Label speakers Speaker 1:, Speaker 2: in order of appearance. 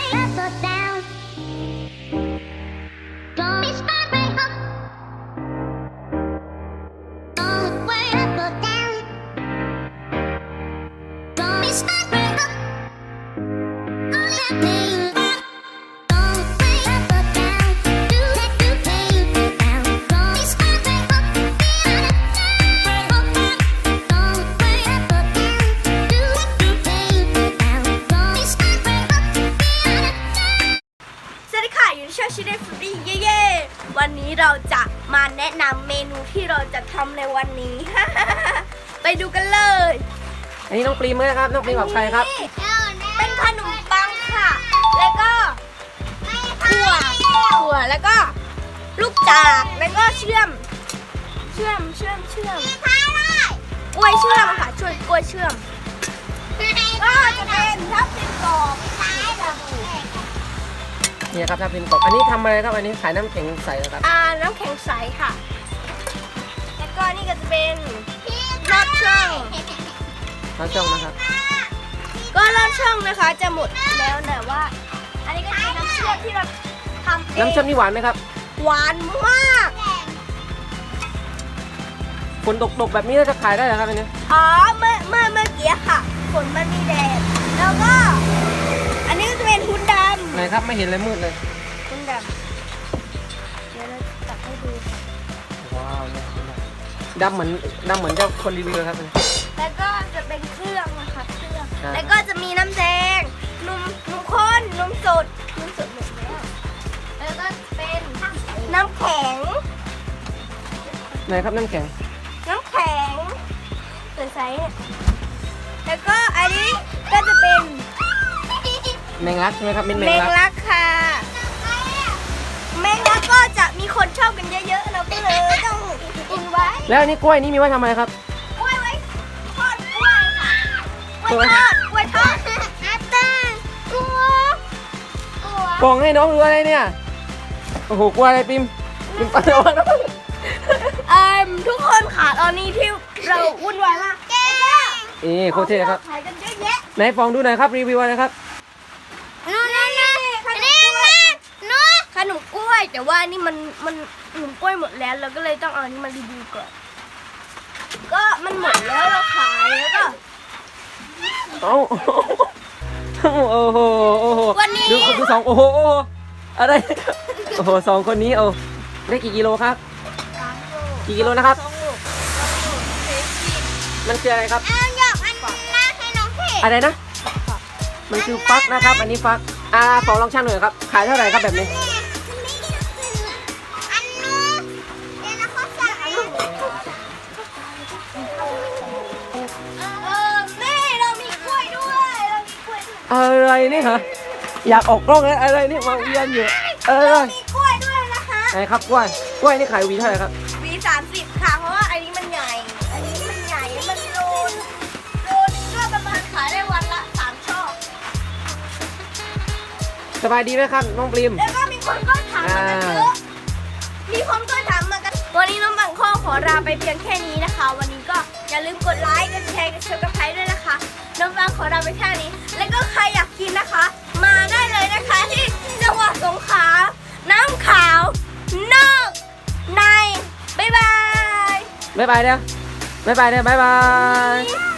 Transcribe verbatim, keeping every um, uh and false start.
Speaker 1: วันนี้เราจะมาแนะนำเมนูที่เราจะทำในวันนี้ ไปดูกันเลย
Speaker 2: อันนี้น้องปรีมไหมครับน้องปรีมกับใครครับ
Speaker 1: เป็นขนมปังค่ะแล้วก็ถั่วถั่วแล้วก็ลูกจากแล้วก็เชื่อมเชื่อมเชื่อมเชื่อมกล้วยเชื่อมค่ะช่วยกล้วยเชื่อมก็จะเป็นทับทิมกรอบ
Speaker 2: นี่ครับถ้าเป็นกบอันนี้ทำอะไรครับอันนี้ขายน้ำแข็งใสครับ
Speaker 1: อ่าน้ำแข็งใสค่ะแล้วก็นี่ก็จะเป็นลอดช่อง
Speaker 2: ลอดช่องนะครับ
Speaker 1: ก็ลอดช่องนะคะจะหมดแล้วแต่ว่าอันนี้ก็เป็นน้ำเชื่อมที่เราทำเอง
Speaker 2: น้ำเชื่อมนี่หวานไหมครับ
Speaker 1: หวานมาก
Speaker 2: ฝนตกๆแบบนี้จะขายได้เหรอครับอันนี้
Speaker 1: อ๋อเมื่อเมื่อเมื่อกี้ค่ะฝนมันมีแดดแล้วก็อันนี้ก็จะเป็นหุ้นดำ
Speaker 2: ไหนครับไม่เห็นเลยมืดเลย
Speaker 1: หุ้นดำเดี๋ยวเราตัดให้ดู
Speaker 2: ว้าวดำเหมือนดำเหมือนเจ้าคนรีวิวเลยครับ
Speaker 1: แล้วก็จะเป็นเครื่องนะคะเครื่องแล้วก็จะมีน้ำแดงนมนมข้นนมสดนมสดหมดแล้วแล้วก็เป็นน้ำแข็ง
Speaker 2: ไหนครับน้ำแข็ง
Speaker 1: น้ำแข็งใสๆแล้วก็อันนี้ก็จะเป็น
Speaker 2: แมงลักใช่ไหมครับเป็นแม
Speaker 1: งลักค่ะแมงลักก็จะมีคนชอบกันเยอะๆเราก็เลยต้องกินไว้
Speaker 2: แล้วอันนี้กล้วยนี่มีไว้ทำอะไรครับ
Speaker 1: กล้วยไว้ทอดกล้วยค่ะกล้วยทอดกล้วยทอดอาตากลัวกลัว
Speaker 2: กล่องให้น้องดูอะไรเนี่ยโอ้โหกลัวอะไรปิมปิมปันระวังนะ
Speaker 1: เอ่อทุกคนค่ะตอนนี้ที่เราวุ่นวายมากแก้ว
Speaker 2: เอ๊โคตรเท่ครับ
Speaker 1: ขายกันเยอะแยะ
Speaker 2: ไหนฟองดูหน่อยครับรีวิวอะไรครับ
Speaker 1: นู่นนี่นี่ขนมกล้วยนู่นขนมกล้วยแต่ว่านี่มันมันขนมกล้วยหมดแล้วเราก็เลยต้องเอาอันนี้มารีวิวก่อนก็มันหมดแล้วเราขายแล้วก็
Speaker 2: เอ้าโอ้โหโอ้โห
Speaker 1: วันนี้
Speaker 2: ดูดูสองโอ้โหอะไรโอ้โหสองคนนี้เอาได้กี่กิโลครับกี่กิโลนะครับมันคืออะไรครับอะไรนะมันคือฟักนะครับอันนี้ฟักอ่าฟองลองชั่งหน่อยครับขายเท่าไหร่ครับแบบนี้อะไรนี่คะอยากออกกล้องเลยอะไรนี่มาเวียนอยู่เออ
Speaker 1: มีกล้วยด้วยนะคะ
Speaker 2: ไหนครับกล้วยกล้วยนี่ขายวีเท่าไหร่ครับ
Speaker 1: วีสามสิบค่ะเพราะว่าอันนี้มันใหญ่อันนี้มันใหญ่มันโลนโลนึงก็ประมาณขายได้วันละสามช่อ
Speaker 2: สบายดีไหมครับน้องปริม
Speaker 1: แล้วก็มีคนก็ถามมากันเยอะมีคนก็ถามมากันวันนี้น้องบังข้อขอลาไปเพียงแค่นี้นะคะวันนี้ก็อย่าลืมกดไลค์กดแชร์กดซับสไครบ์ด้วยนะคะน้องบังขอลาไปแค่นี้แล้วก็ใครอยากกินนะคะมาได้เลยนะคะที่จังหวัดสงขลาน้ำขาวนอกในบ๊ายบาย
Speaker 2: บ๊ายบายเด้อบ๊ายบายเด้อบ๊ายบาย